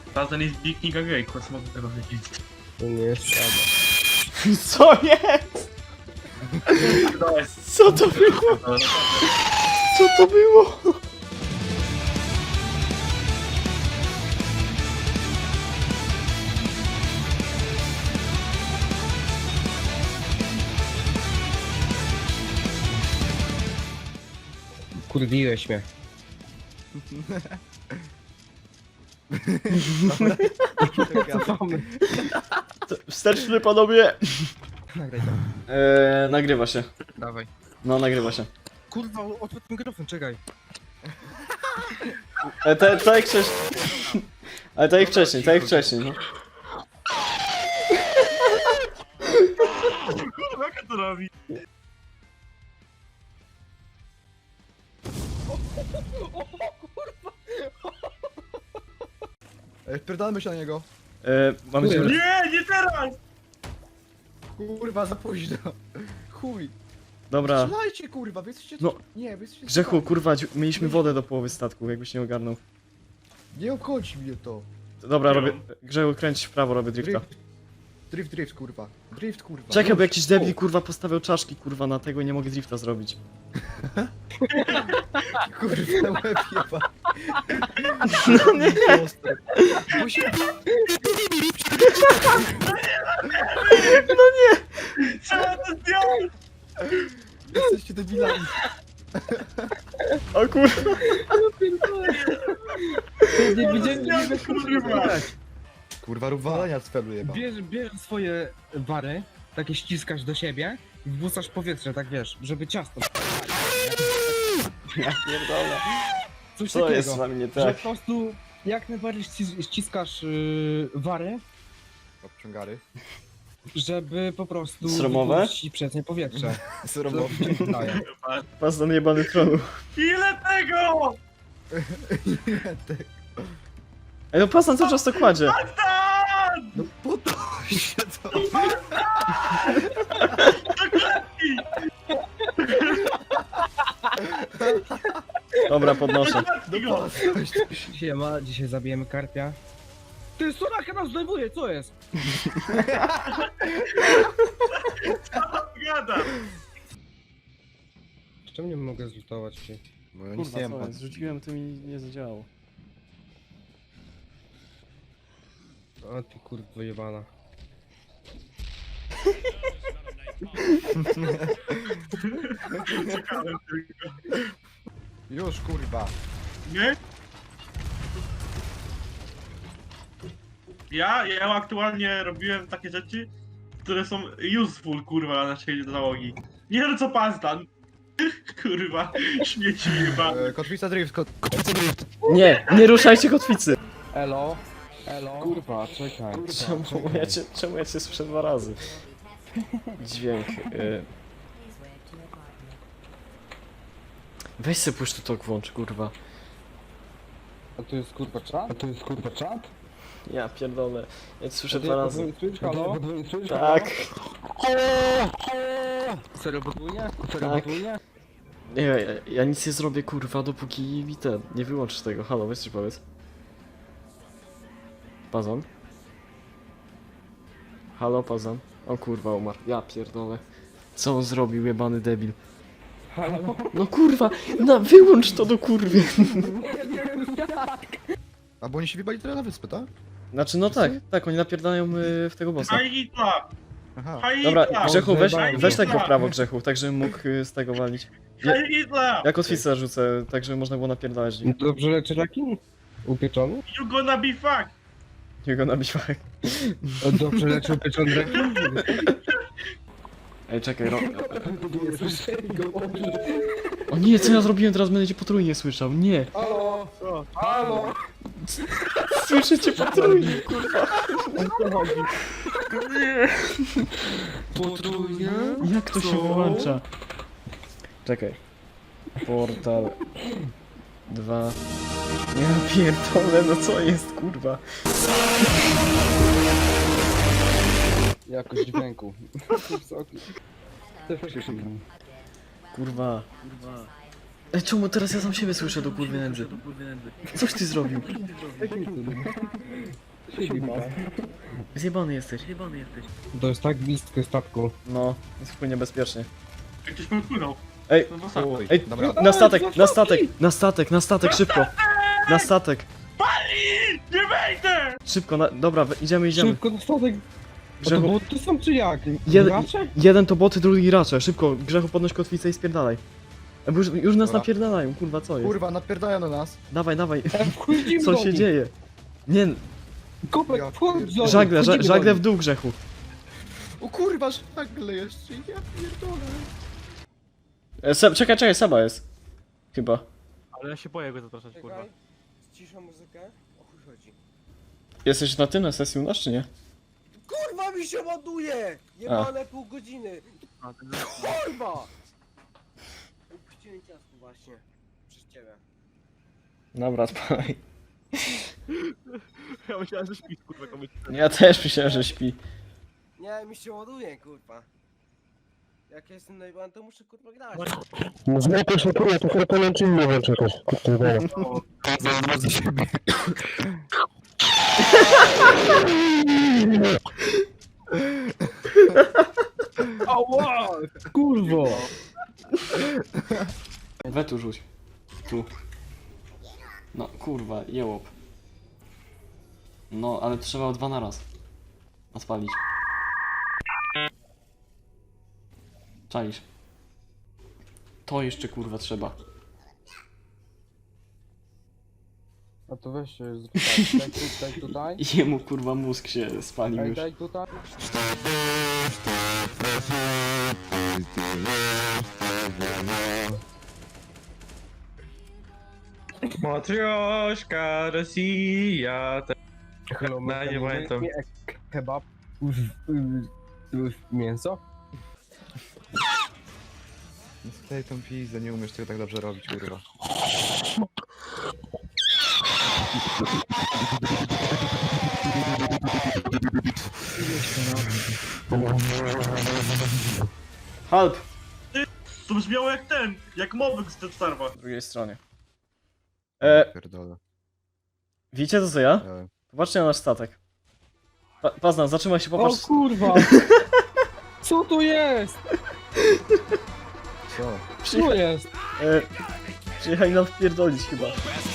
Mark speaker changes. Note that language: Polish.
Speaker 1: Ten jest Big Nika Gate, co mogę tego wiedzieć.
Speaker 2: To nie jest prawda.
Speaker 3: Co jest? Co to było? Co to było?
Speaker 2: Kurwiłeś mnie. Cofamy.
Speaker 3: Wsteczny panowie!
Speaker 2: Nagraj to.
Speaker 3: Nagrywa się.
Speaker 2: Dawaj.
Speaker 3: No, nagrywa się.
Speaker 2: Kurwa, odpłat mikrofon, czekaj.
Speaker 3: To jak wcześniej. Ale to jak wcześniej, no.
Speaker 1: Kurwa, jak to robi?
Speaker 4: Wpierdalamy się na niego.
Speaker 3: Mamy się...
Speaker 1: Nie teraz!
Speaker 4: Kurwa, za późno. Chuj.
Speaker 3: Dobra.
Speaker 4: Strzelajcie, kurwa, wy jesteście...
Speaker 3: No.
Speaker 4: Nie, wy jesteście...
Speaker 3: Grzechu, kurwa, mieliśmy wodę do połowy statku, jakbyś nie ogarnął.
Speaker 4: Nie obchodzi mnie to.
Speaker 3: Dobra, robię... Grzechu, kręć w prawo, robię drifta.
Speaker 4: Drift, kurwa. Drift, kurwa.
Speaker 3: Czekaj, bo jakiś debil, kurwa, postawiał czaszki, kurwa, na tego i nie mogę drifta zrobić.
Speaker 4: Kurwa, łeb jeba.
Speaker 3: No nie!
Speaker 1: Trzeba to zdjąć!
Speaker 4: Jesteście debilami.
Speaker 3: O kurwa!
Speaker 2: Nie widziałem, nie
Speaker 1: Kurwa!
Speaker 4: Kurwa, rób walenia z felu jeba.
Speaker 2: Bierz swoje wary, takie ściskasz do siebie i wpuszczasz powietrze, tak wiesz, żeby ciasto...
Speaker 3: Ja pierdolę.
Speaker 2: Coś
Speaker 3: Co
Speaker 2: takiego,
Speaker 3: jest z wami nie
Speaker 2: że
Speaker 3: tak?
Speaker 2: po prostu jak najbardziej ściskasz wary,
Speaker 4: Obciągary.
Speaker 2: żeby po prostu
Speaker 3: Sromowe?
Speaker 2: wypuścić przez nie powietrze.
Speaker 4: Sromowy.
Speaker 2: Daję.
Speaker 3: Pas na jebany tronu.
Speaker 1: Ile tego?
Speaker 3: Ej, no pas na cały czas to kładzie.
Speaker 1: Stan!
Speaker 4: No po to się to...
Speaker 3: Dobra, podnoszę.
Speaker 1: Go!
Speaker 2: Siema, dzisiaj zabijemy karpia. Ty, Soraka nas zdejmuje, co jest?
Speaker 1: Gada!
Speaker 2: Czemu nie mogę zlutować się?
Speaker 4: Bo ja nic
Speaker 3: Kurwa,
Speaker 4: nie
Speaker 3: co
Speaker 4: mam.
Speaker 3: jest? Rzuciłem, to mi nie zadziałało.
Speaker 2: O ty kurwa jebana.
Speaker 1: Czekałem tylko.
Speaker 4: Już, kurwa.
Speaker 1: Nie? Ja aktualnie robiłem takie rzeczy, które są useful, kurwa, na naszej załogi. Nie wiem co pastan. Kurwa, śmieci chyba.
Speaker 4: Kotwica drift, kotwica drift.
Speaker 3: Nie, nie ruszajcie kotwicy!
Speaker 2: Elo? Elo? Kurwa, czekaj.
Speaker 3: Czemu ja cię słyszę 2 razy? Dźwięk. Weź se push to talk włącz, kurwa.
Speaker 2: A to jest kurwa czat? A to jest kurwa czat?
Speaker 3: Ja pierdolę. Ja cię słyszę 2 razy.
Speaker 2: Halo?
Speaker 3: Tak.
Speaker 2: Serio podwójnie?
Speaker 3: Tak. Nie, ja nic nie zrobię, kurwa, dopóki mi ten... Nie wyłączysz tego. Halo, weź coś powiedz. Pazon? Halo, Pazon? O kurwa, umarł. Ja pierdolę. Co on zrobił, jebany debil?
Speaker 2: Halo?
Speaker 3: No kurwa, wyłącz to do kurwy.
Speaker 4: A bo oni się wybali teraz na wyspę, tak?
Speaker 3: Znaczy, no tak, oni napierdają w tego bossa.
Speaker 1: Haj Hitla!
Speaker 4: Aha.
Speaker 1: Haj
Speaker 3: Dobra,
Speaker 1: Hitla!
Speaker 3: Grzechu,
Speaker 2: Zajebałem
Speaker 3: weź
Speaker 2: go.
Speaker 3: tak go w prawo, Grzechu, tak żebym mógł z tego walić.
Speaker 1: Haj Hitla!
Speaker 3: Ja kotwicę rzucę, tak żeby można było napierdalać nim.
Speaker 2: Dobrze leczy taki? Upieczony?
Speaker 1: You gonna be fucked!
Speaker 3: Jego nabiwak.
Speaker 2: Dobrze leczy upieczony rekin?
Speaker 3: Ej, czekaj, O nie, co ja zrobiłem, teraz będę cię potrójnie słyszał, nie!
Speaker 2: Halo? Halo?
Speaker 3: Słyszę cię potrójnie, kurwa! Nie!
Speaker 2: Potrójnie?
Speaker 3: Jak to się wyłącza? Czekaj. Portal 2. Ja pierdolę, no co jest, kurwa?
Speaker 2: Jakość dźwięku.
Speaker 3: Kurwa. Ej, czemu teraz ja sam siebie słyszę do kurwy nędzy? Coś ty zrobił? Zjebany jesteś.
Speaker 2: To jest tak blisko statku.
Speaker 3: No, jest wpłynie bezpiecznie.
Speaker 1: Jak ktoś popłynął.
Speaker 3: Ej,
Speaker 1: No to sam.
Speaker 4: Oj,
Speaker 3: ej,
Speaker 4: dobra.
Speaker 3: na statek, na statek, na statek, na statek, szybko! Na statek,
Speaker 1: Nie wejdę!
Speaker 3: szybko, dobra, idziemy.
Speaker 2: Szybko na statek. A to
Speaker 3: Grzechu,
Speaker 2: było tu są czy jak?
Speaker 3: Jeden-
Speaker 2: Racze?
Speaker 3: jeden to boty, drugi racze, szybko, Grzechu podnoś kotwicę i spierdalaj. Bo już nas
Speaker 4: Dobra.
Speaker 3: napierdalają, kurwa, co jest?
Speaker 4: Kurwa, napierdają na nas.
Speaker 3: Dawaj,
Speaker 2: Wchodzimy
Speaker 3: co
Speaker 2: do
Speaker 3: się
Speaker 2: nich.
Speaker 3: dzieje? Nie,
Speaker 2: Kopek,
Speaker 4: Ja
Speaker 2: wchodź do nich,
Speaker 3: żagle,
Speaker 2: wchodzimy do
Speaker 3: żagle w
Speaker 2: nich.
Speaker 3: dół, Grzechu.
Speaker 4: O kurwa, żagle jeszcze, ja pierdolę.
Speaker 3: Czekaj, Seba jest. Chyba.
Speaker 5: Ale ja się boję go zapraszać, kurwa.
Speaker 6: Czekaj, cisza muzykę. O chuj chodzi.
Speaker 3: Jesteś na tym, na sesji u nas, czy nie?
Speaker 6: Kurwa mi się ładuje! Jebane pół godziny!
Speaker 5: A, ten...
Speaker 6: Kurwa! Upuściłem ciasto właśnie. Przez ciebie.
Speaker 3: Dobra, spaj.
Speaker 5: Ja myślałem, że śpisz, kurwa, komuś.
Speaker 3: Ja też myślałem, że śpi.
Speaker 6: Nie, mi się ładuje, kurwa. Jak ja jestem najebany, to muszę kurwa grać.
Speaker 7: No zmykaj się kurwa, to chyba połączy inny włączy jakoś. Kurwa.
Speaker 4: Za siebie.
Speaker 2: Ała! Kurwo!
Speaker 3: We tu rzuć. Tu. No, kurwa, jełop. No, ale trzeba o 2 na raz. Odpalić. Czaisz. To jeszcze kurwa trzeba.
Speaker 2: A to weź się tutaj, daj tutaj.
Speaker 3: Jemu kurwa mózg się spalił
Speaker 2: Daj,
Speaker 3: już.
Speaker 2: daj tutaj.
Speaker 5: Matrioszka, Rosja.
Speaker 2: Hello,
Speaker 5: No, nie pamiętam.
Speaker 2: Kebab. Mięso?
Speaker 4: Sklej tą pizdę, nie umiesz tego tak dobrze robić, kurwa.
Speaker 3: Help!
Speaker 1: To brzmiało jak ten, jak mobyk z Dead Starwa.
Speaker 3: Po drugiej stronie.
Speaker 4: Pierdolę.
Speaker 3: Widzicie to co ja?
Speaker 4: Ja-
Speaker 3: Popatrzcie na nasz statek. Pazna, zatrzymaj się,
Speaker 2: O
Speaker 3: popatrz.
Speaker 2: kurwa! Co to jest?
Speaker 4: Co?
Speaker 2: Co jest?
Speaker 3: Przyjechali nam wpierdolić chyba.